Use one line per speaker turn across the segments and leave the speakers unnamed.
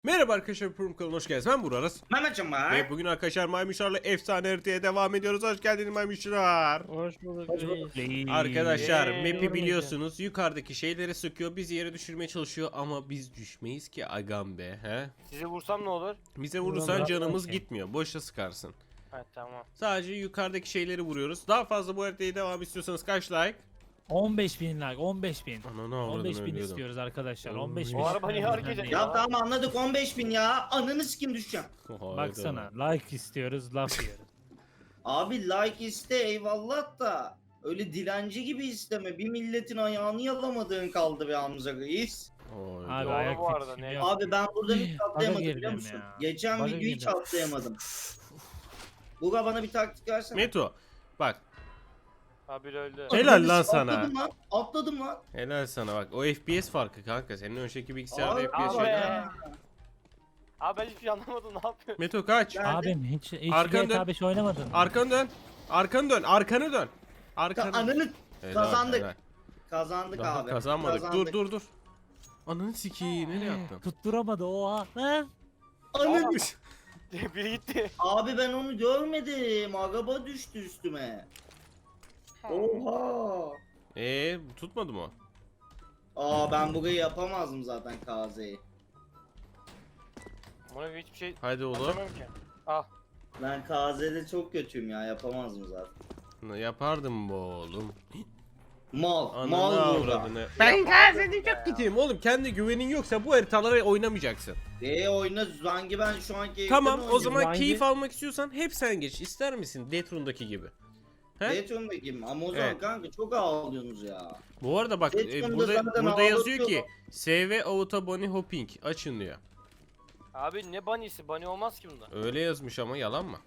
Merhaba arkadaşlar, Prum kanalına hoş geldiniz. Ben Burak Aras.
Mehmetciğim var.
Ve bugün arkadaşlar Maymuşlarla efsane haritaya devam ediyoruz. Hoş geldiniz Maymuşlar.
Hoş bulduk reis.
Arkadaşlar map'i
Yormayacağım.
biliyorsunuz, yukarıdaki şeyleri sıkıyor, bizi yere düşürmeye çalışıyor ama biz düşmeyiz ki agam be, he?
Sizi vursam ne olur?
Bize vurursan
Ulan,
canımız
okey.
gitmiyor, boşa sıkarsın.
Ha tamam.
Sadece yukarıdaki şeyleri vuruyoruz. Daha fazla bu haritaya devam istiyorsanız kaç like?
15.000 like, 15.000.
Ananı
15.000
avradını ölüyordum.
istiyoruz arkadaşlar.
Oğlum,
15.000.
O araba niye hareket ediyor?
Ya tamam anladık 15.000 ya. Ananı sikim düşeceğim.
Hayda.
Baksana, like istiyoruz, laf yiyoruz.
Abi like iste eyvallah da. Öyle dilenci gibi isteme. Bir milletin ayağını yalamadığın kaldı be Hamza Reis.
Hayda.
Abi
Doğru
ayak
bu arada,
tepkim
ne?
yok.
Abi ben burada hiç
Baga
atlayamadım
girdim
biliyor musun?
ya.
Geçen
Baga
videoyu hiç
girdim.
atlayamadım. Buga bana bir taktik versene.
Meto, bak,
Abi öldü.
helal lan sana.
Atladım lan. Atladım lan.
Helal sana bak, o FPS farkı kanka, senin önceki bilgisayarda
Abi,
FPS
abi.
yok.
Abi ben hiçbir şey anlamadım, ne yapıyorsun?
Meto kaç?
Ya-
Abim hiç
Arkanı
GTA
dön.
5 oynamadın mı?
Arkanı dön. Arkanı dön. Arkanı dön.
Ta-
Arkanı.
Ananı
Helal,
kazandık.
helal.
Kazandık
Daha
abi.
kazanmadık.
Kazandık.
Dur. Ananı sikeyim. Nereye attın?
Tutturamadı oha. Ha?
Ananı.
Biri gitti.
Abi ben onu görmedim. Araba düştü üstüme. Oha.
Tutmadı mı?
Aa ben burayı yapamazdım zaten KZ'yi.
Buna hiçbir şey
Haydi oğlum.
anlamıyorum ki. Ah.
Ben KZ'de çok kötüyüm ya yapamazdım zaten.
Yapardım bu oğlum.
Mal,
Ananı
mal burada.
avradını. Ben KZ'de çok gideyim oğlum. Kendi güvenin yoksa bu haritaları oynamayacaksın.
Oyna hangi ben şu an keyiften
Tamam, o
oynuyorum.
zaman
Hangi-
keyif almak istiyorsan hep sen geç. İster misin? Deathroom'daki gibi. He?
Dayton'daki ama o zaman
Evet.
kanka çok ağlıyorsunuz ya.
Bu arada bak,
Deathroom'da
burada
zaten
yazıyor ki
ağlatıyor.
SV Auto Bunny Hopping açın diyor.
Abi ne bunny'si? Bunny olmaz ki bunda.
Öyle yazmış ama yalan mı?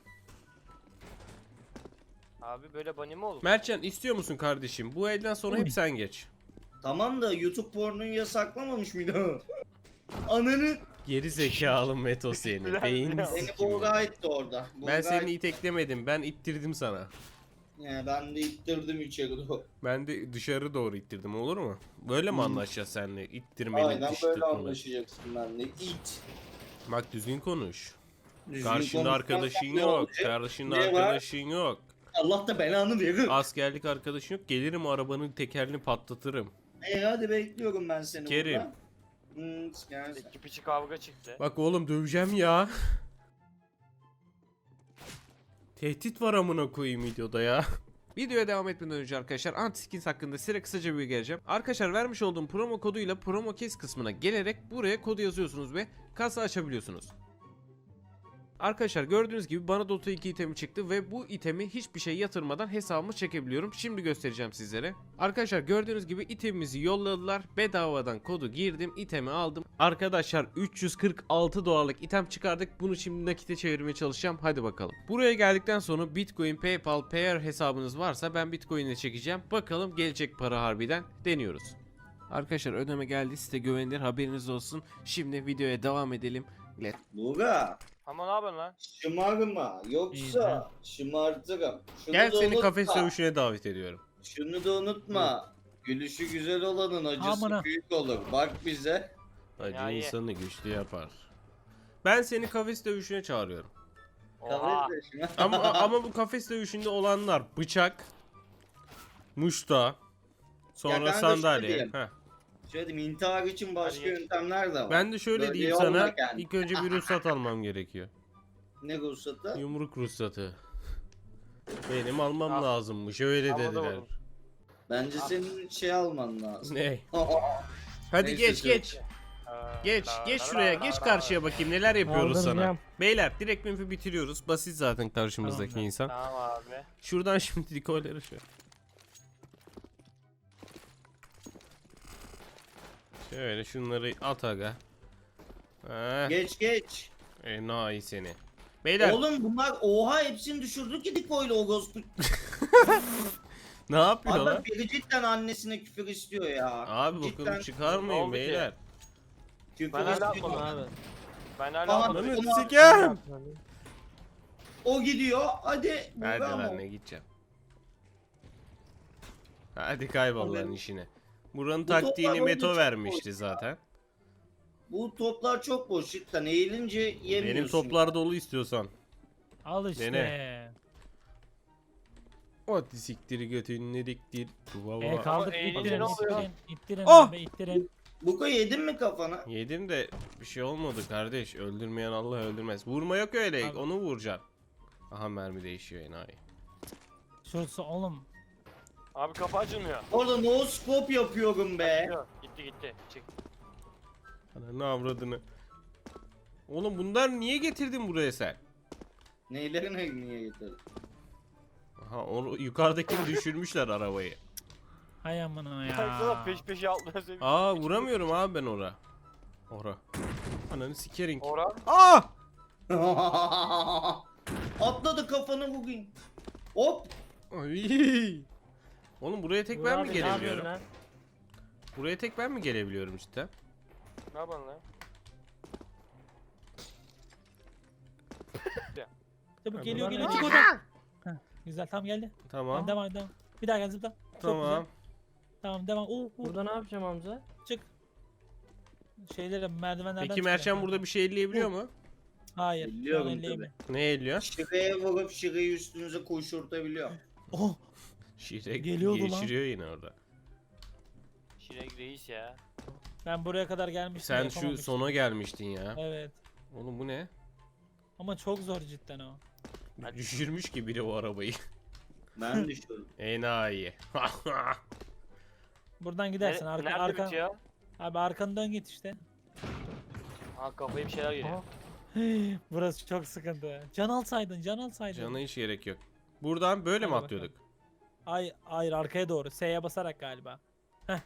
Abi böyle bunny mi olur?
Mertcan, istiyor musun kardeşim? Bu elden sonra hep sen geç.
Tamam da YouTube pornoyu yasaklamamış mıydı? Ananı
Geri zekalı Meto seni.
Biraz-
Beynini
biraz.
beni
sikeyim.
Buğra etti orada.
Ben
Buğra
seni
etti.
iteklemedim. Ben ittirdim sana.
Ben de ittirdim içeri doğru.
Ben de dışarı doğru ittirdim, olur mu? Böyle mi anlaşacağız seninle? İttirmeli,
Aynen
diş
böyle
tutmalı.
anlaşacaksın benimle. İt.
Bak, düzgün konuş.
Düzgün
Karşında
konuşmazsan
arkadaşın
ne
yok.
olacak?
Karşında
Ne var?
arkadaşın yok.
Allah da belanı verir.
Askerlik arkadaşın yok. Gelirim arabanın tekerini patlatırım.
Hadi bekliyorum ben seni
Sikerim.
burada. Sikersin.
İki piçi kavga çıktı.
Bak oğlum, döveceğim ya. Tehdit var amına koyayım videoda ya. Videoya devam etmeden önce arkadaşlar anti-skins hakkında size kısaca bir bilgi vereceğim. Arkadaşlar vermiş olduğum promo koduyla promo kes kısmına gelerek buraya kodu yazıyorsunuz ve kasa açabiliyorsunuz. Arkadaşlar gördüğünüz gibi bana Dota 2 itemi çıktı ve bu itemi hiçbir şey yatırmadan hesabıma çekebiliyorum. Şimdi göstereceğim sizlere. Arkadaşlar gördüğünüz gibi itemimizi yolladılar. Bedavadan kodu girdim, itemi aldım. Arkadaşlar 346 dolarlık item çıkardık. Bunu şimdi nakite çevirmeye çalışacağım. Hadi bakalım. Buraya geldikten sonra Bitcoin, PayPal, Payer hesabınız varsa ben Bitcoin'e çekeceğim. Bakalım gelecek para harbiden, deniyoruz. Arkadaşlar ödeme geldi, size güvenilir, haberiniz olsun. Şimdi videoya devam edelim.
Buğra.
Ama ne yapıyorsun lan?
Şımarma. Yoksa şımartırım. Şunu
Gel,
da
seni
unutma.
kafes dövüşüne davet ediyorum.
Şunu da unutma. Gülüşü güzel olanın acısı
Amına.
büyük olur. Bak bize.
Acı
Ya ye.
insanı güçlü yapar. Ben seni kafes dövüşüne çağırıyorum.
Oha.
Kafes de
Ama bu kafes dövüşünde olanlar bıçak, muşta, sonra
kanka
sandalye.
şöyle diyeyim.
Heh.
Şöyle diyeyim, intihar için başka
Hadi geç.
yöntemler de var.
Ben de şöyle
Böyle
diyeyim
yolla
sana.
kendini.
İlk önce bir ruhsat almam gerekiyor.
Ne ruhsatı?
Yumruk ruhsatı. Benim almam
Al.
lazımmış, öyle
Al, o da
dediler.
olur.
Bence senin şey alman lazım.
Ne? Hadi
Neyse,
geç
söyle.
geç. Geç şuraya, geç karşıya bakayım neler yapıyoruz sana.
Aldıracağım.
Beyler direkt minfi bitiriyoruz. Basit zaten karşımızdaki
Tamam.
insan.
Tamam abi.
Şuradan şimdi dikoyları şu. Şöyle şunları at aga.
Geç geç.
Enayi seni. Beyler
Oğlum bunlar oha hepsini düşürdük ki Diko'yla o ghost.
ne yapıyor
Abi
lan?
bak biri cidden annesine küfür istiyor ya.
Abi
Cidden
bakın
Ne
çıkarmayın
oldu ki?
beyler.
küfür
Ben hala
istiyor.
atmadım abi. Ben hala
Tamam.
atmadım.
Lan
Onu-
sikem.
O gidiyor. Hadi.
Hadi
Buğra
lan
mı?
ne gideceğim. Hadi kaybol lan
Abi.
işine. Buranın
Bu toplar
taktiğini
orada
Meto
çok
vermişti zaten.
Bu toplar çok boş cidden. Eğilince yemiyorsun.
Benim toplar dolu istiyorsan.
Al işte.
Dene. Hadi siktiri götünü diktir. Valla.
Kaldık
Ama eğilince
ittirin
ne oluyor?
ittirin
Ah!
abi ittirin.
Buko yedin mi kafana?
Yedim de bir şey olmadı kardeş. Öldürmeyen Allah öldürmez. Vurma yok öyle.
Abi.
Onu vuracaksın. Aha mermi değişiyor enayi.
Şurası oğlum.
Abi kapı açılmıyor.
Orada no scope yapıyorum be.
Yok, gitti. Çık.
Ananı avradını. Oğlum bunlar niye getirdin buraya sen?
Neylerini niye getirdin?
Aha onu yukarıdakini düşürmüşler arabayı.
Hay amına
Baksana
ya.
peş peşe atlıyor seni.
Aa vuramıyorum abi ben ora. Ora. Ananı sikerin.
Ora.
Aa!
Atladı kafanı bugün. Hop.
Ay! Oğlum buraya tek ben mi
Abi, ne yapıyorsun
gelebiliyorum?
lan?
Buraya tek ben mi gelebiliyorum cidden?
Ne yapalım lan?
Çabuk geliyor
Bunlar
geliyor
ne?
çık oradan. Heh, güzel tam geldi.
Tamam.
Devam devam. Bir daha gel zıpla. Çok
Tamam.
güzel. Tamam devam.
Burada ne yapacağım Hamza?
Çık. Şeyleri merdivenlerden
Peki
çık
Mertcan
ya.
burada bir şey elleyebiliyor mu?
Hayır.
Biliyorum
şu an elleyemiyor.
Ne elliyor?
Şıraya vurup şırayı üstünüze koşurtabiliyor.
Oh.
Şirek
Geliyordu lan.
geçiriyor yine orada.
Şirek reis ya.
Ben buraya kadar gelmiştim.
Sen şu
yapamamıştım.
sona gelmiştin ya.
Evet.
Oğlum bu ne?
Ama çok zor cidden o.
Hadi.
Düşürmüş ki biri o arabayı.
Ben düşürdüm.
Enayi.
Buradan gidersin. Arka,
Nerede
arka,
bitiyor?
abi arkanı dön git işte.
Ha kafaya bir şeyler geliyor.
Burası çok sıkıntı. Can alsaydın, can alsaydın.
Cana hiç gerek yok. Buradan böyle mi
Hadi
atlıyorduk?
Hayır arkaya doğru. S'ye basarak galiba.
Ay,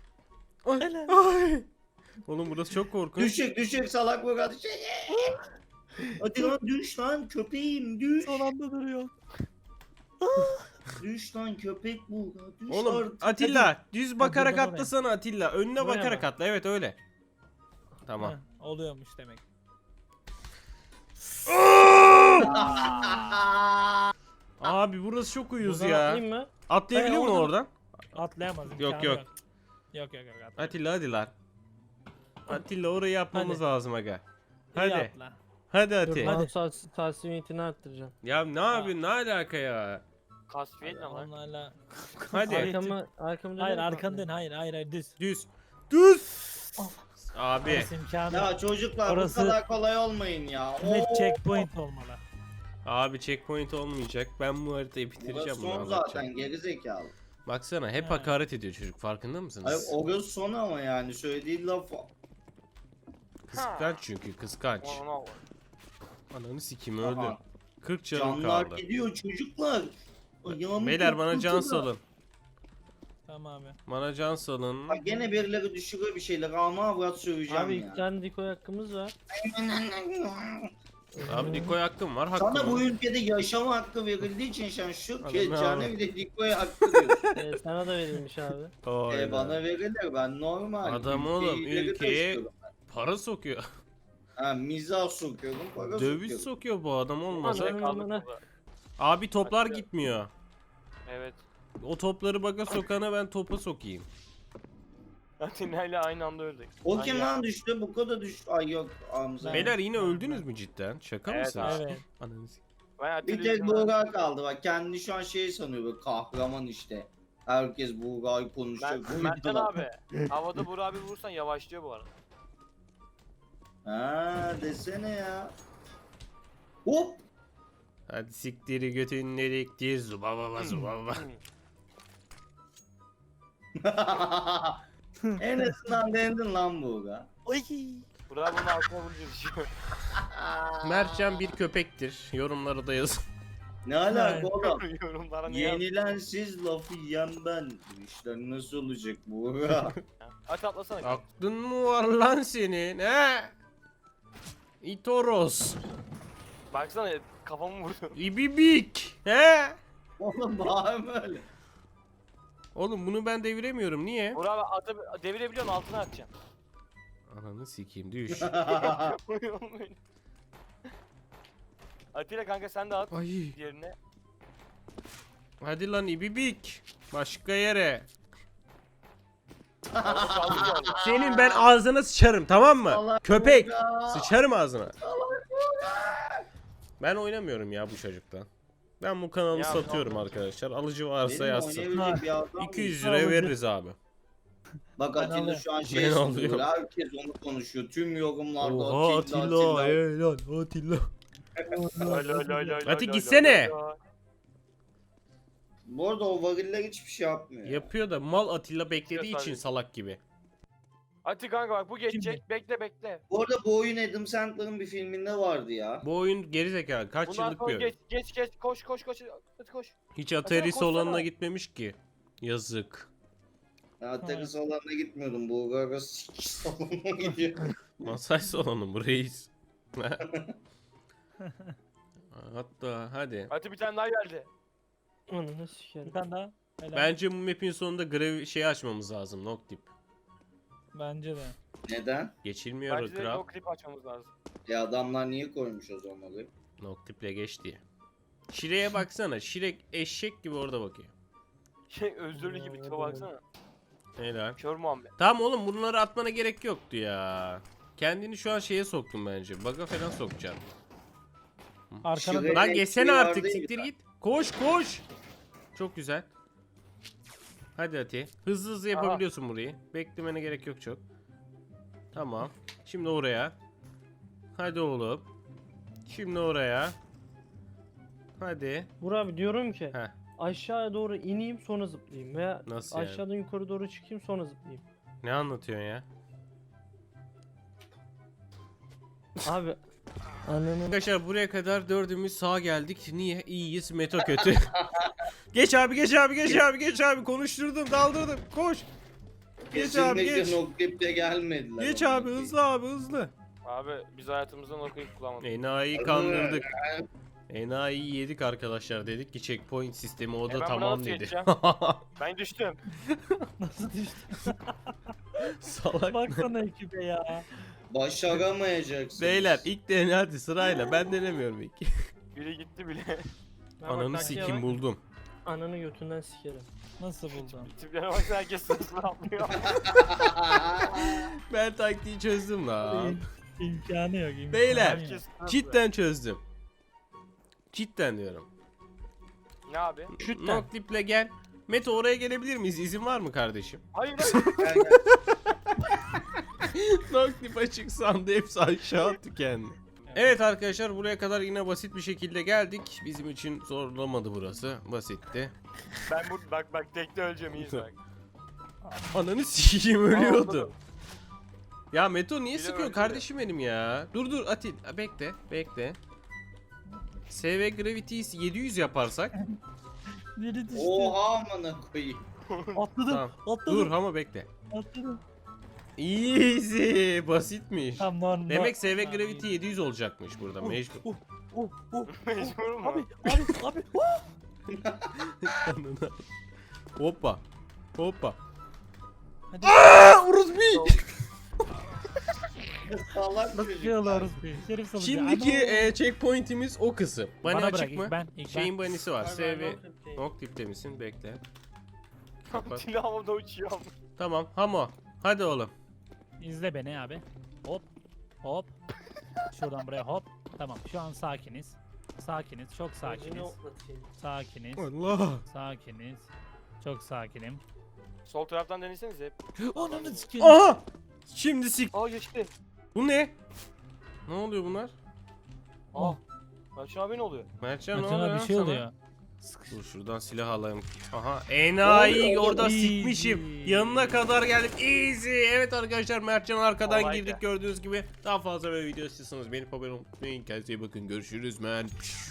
ay. Oğlum burası çok korkunç.
Düşük salak bu kadar şey. Hadi lan düş lan köpeğim düş.
Son anda duruyor.
Düş lan köpek bu. Düş
Oğlum
artık.
Atilla düz bakarak
buradan oraya.
atlasana Atilla. Önüne
Buraya
bakarak
mı?
atla. Evet öyle. Tamam.
Heh, oluyormuş demek.
Abi burası çok uyuz
Buradan
ya.
atlayayım mı?
Atlayabiliyor mu
Hayır,
oradan?
Atlayamaz.
Yok,
imkanı
yok.
Yok yok. Atla.
Atilla hadi lan. Atilla orayı yapmamız
Hadi.
lazım aga.
İyi
Hadi.
atla.
Hadi
Dur
Ati.
mouse tasmiyetini arttıracağım.
Ya ne yapıyorsun? Ne alaka ya?
Kasfiyet ne lan?
Onlarla.
Hadi.
Arkamı
Hayır
dönerim
arkanı
mi?
dön. Hayır düz.
Düz. Düz. Abi.
Orası imkanı.
Ya çocuklar
Orası-
bu kadar kolay olmayın ya.
Net
Oo.
checkpoint olmalı.
Abi checkpoint olmayacak. Ben bu haritayı bitireceğim
Burası
bunu
son
anlatacağım.
zaten geri zekalı.
Baksana hep
Ha.
hakaret ediyor çocuk. Farkında mısınız?
Hayır orası son ama yani söylediği laf.
Kıskanç çünkü kıskanç.
Ona bak.
Ananı sikeyim öldüm.
Aha.
40 canım
Canlar
kaldı.
gidiyor çocuklar. Ayağımı
Beyler bana can
korkutuyorlar.
salın.
Tamam abi.
Bana can salın.
Bak gene birileri düşürüyor bir şeyler ama avrat söveceğim
Abi
ya.
iki tane dikoy hakkımız var.
Abi Diko'ya hakkım var. Hakkım
Sana bu
var.
ülkede yaşama hakkı verildiği için sen şu
Adam
keçane
ne
bir de dikoya hakkı diyorsun.
Sana da verilmiş abi.
Aynen.
Bana verilir ben normal.
Adam
Ülkeyi
oğlum,
ileri
ülkeye-
taşıyorum.
Para sokuyor.
Ha mizah sokuyorum para
Döviz
sokuyorum.
sokuyor bu adam olmasa.
Aman,
Kaldık
aman.
burada.
Abi toplar
Hadi.
gitmiyor.
Evet.
O topları baga sokana ben topa sokayım.
Atina ile aynı anda öldük.
O kim
Ay ya.
lan düştü? Bu kadar düştü. Ay yok Hamza.
Beyler yine öldünüz mü cidden? Şaka
Evet
mısınız?
abi.
Evet.
Ananı s-
Ben
Bir
Atilla
tek
için-
Buğra kaldı bak kendi şu an şey sanıyor böyle kahraman işte. Herkes Buğra'yı konuşacak.
Ben Mertcan abi. Havada Burak abi vursan yavaşlıyor bu arada.
Ha desene ya. Hop.
Hadi siktiri götün dediktir zubababa zubababa.
En azından denedin lan Buğra.
Burak abi bunun altına vurunca düşüyor.
Mertcan bir köpektir. Yorumlara da yazın.
Ne alaka oğlum?
Yorumlara ne yaz?
Yenilen siz lafı yiyen ben. Bu işler nasıl olacak Buğra?
Hadi atlasana.
Aklın mı var lan senin he? İtoros.
Baksana kafamı vurdu.
İbibik. He?
Oğlum bağırma öyle.
Oğlum bunu ben deviremiyorum. Niye?
Burak abi atı devirebiliyorsun altına atacağım.
Ananı sikeyim düş.
Atilla kanka sen de at
Ay.
diğerine.
Hadi lan ibibik. Başka yere.
Orada kaldık ya orada.
Senin ben ağzına sıçarım, tamam mı?
Salak
Köpek.
Buğra.
Sıçarım ağzına. Ben oynamıyorum ya bu çocuktan. Ben bu kanalı
Ya,
satıyorum
tamam.
arkadaşlar. Alıcı varsa
Benim
yazsın.
oynayabilecek bir adam
200
yok.
liraya veririz abi.
Bak
Ben
Atilla
alıyorum.
şu an
Ben
şey söylüyor.
alıyorum.
Herkes onu konuşuyor. Tüm yorumlarda
Oha Atilla, helal Atilla. Hadi gitsene.
Bu arada o variller hiçbir şey yapmıyor.
Yapıyor da mal Atilla beklediği
Yapıyor
için
tabii.
salak gibi.
Hadi kanka bak bu geçecek. Bekle bekle.
Bu arada bu oyun Adam Sandler'ın bir filminde vardı ya.
Bu oyun gerizekalı. Kaç
Bundan
yıllık bir
sonra
oyun.
geç koş. Hadi koş.
Hiç Atari
koşsana.
salonuna gitmemiş ki. Yazık.
Ya tenis salonuna gitmiyordum. Bu Gaga salonuna gidiyor.
Masaj salonu bu reis. Hatta hadi.
Hadi bir tane daha geldi.
Ananı
Bir
sikerim.
tane daha. Helal.
Bence bu map'in sonunda grev şeyi açmamız lazım. Noctip.
Bence de.
Neden?
Geçilmiyor
Bence de
Grab.
o klip açmamız lazım.
Adamlar niye koymuş o zaman orayı?
Noctip'le geç diye. Şire'ye baksana. Şirek eşek gibi orada bakıyor.
Şey özürlü gibi tipe baksana.
Helal.
Kör Muhammed.
Tamam oğlum bunları atmana gerek yoktu ya. Kendini şu an şeye soktun bence. Bug'a falan sokacaksın.
Arkana
Şuraya-
Lan
Evet,
geçsene
bir
artık
yerdeyim
siktir
ben.
git. Koş koş. Çok güzel. Hadi Ati. Hızlı hızlı yapabiliyorsun burayı. Beklemene gerek yok çok. Tamam. Şimdi oraya. Hadi oğlum. Şimdi oraya. Hadi.
Burak abi diyorum ki
Heh.
aşağıya doğru ineyim sonra zıplayayım veya
Nasıl yani?
aşağıdan yukarı doğru çıkayım sonra zıplayayım.
Ne anlatıyorsun ya?
Abi ananı
Arkadaşlar buraya kadar dördümüz sağa geldik. Niye? İyiyiz. Meto kötü. Geç abi geç abi geç abi geç abi. Konuşturdum daldırdım. Koş. Geç abi
Kesinlikle
geç.
Noclip'te gelmediler.
Geç
onlar.
abi hızlı abi hızlı.
Abi biz hayatımızdan okuyup kullanmadık.
Enayi'yi kandırdık. Enayi'yi yedik arkadaşlar, dedik ki checkpoint sistemi o da
Ben buna
tamam
nasıl
dedi.
geçeceğim? Ben düştüm.
Nasıl düştü?
Salak.
Baksana ekibe ya.
Başaramayacaksın.
Beyler ilk dene hadi sırayla, ben denemiyorum ilk.
Biri gitti bile.
Ben bak
Ananı
taktiğe
sikim
bak,
buldum.
Ananı götünden sikerim.
Nasıl buldun?
Tiplere baksana herkes sırasını atlıyor.
Ben taktiği çözdüm lan.
İmkanı yok. imkanı
Beyler,
yok.
Herkes sırasını.
Cidden çözdüm. Cidden diyorum.
Ne abi?
Şütten.
Noclip'le gel. Meto oraya gelebilir miyiz? İzin var mı kardeşim?
Hayır.
Noclip açık sandı, hepsi aşağı attı kendini. Evet arkadaşlar, buraya kadar yine basit bir şekilde geldik. Bizim için zorlamadı burası. Basitti.
Ben bak tekte öleceğim iyi bak.
Ananı sikeyim, ölüyordu.
Anladım.
Ya Meto niye
Biri
sıkıyor
öldü.
kardeşim benim ya? Dur Atil, bekle bekle. SV Gravity'yi 700 yaparsak.
Biri düştü.
Oha amına koyayım.
Atladım.
Tamam.
Atladım.
Dur ama bekle.
Atladım.
Easy, basitmiş.
Tamam normal.
Demek SV Gravity 700 olacakmış burada mecbur.
Mecbur mu?
Abi.
Hoppa. Hoppa.
Hadi.
Uruzbi.
Salak
Nasıl
çocuk.
yiyorlarız bir? Şerif salıcı.
Şimdiki
Ana.
checkpoint'imiz o kısım. Bunny
Bana
açık
bırak
mı?
ilk ben. İlk
Şeyin
ben.
bunny'si var.
Var,
SV
Noclip'teyim.
Noclip'te misin? Bekle. Kapat.
Tili havada uçuyor.
Tamam. Hamo. Hadi oğlum.
İzle beni abi. Hop. Hop. Şuradan buraya hop. Tamam şu an sakiniz. Sakiniz. Çok sakiniz. Sakiniz.
Allah.
Sakiniz. Çok sakinim.
Sol taraftan denesenize hep.
Ananı sikeyim.
Aha! Şimdi sik.
Aa geçti.
Bu ne? Ne oluyor bunlar?
Aa. Barçın abi ne oluyor?
Mertcan ne
Metin
oluyor?
abi bir şey
sana?
oluyor.
Dur şuradan silah alayım. Aha enayi orada
Easy.
sikmişim. Yanına kadar geldim. Easy. Evet arkadaşlar, Mertcan arkadan
Kolaydı.
girdik gördüğünüz gibi. Daha fazla böyle video istiyorsanız beni abone olmayı unutmayın. Kendinize iyi bakın. Görüşürüz men.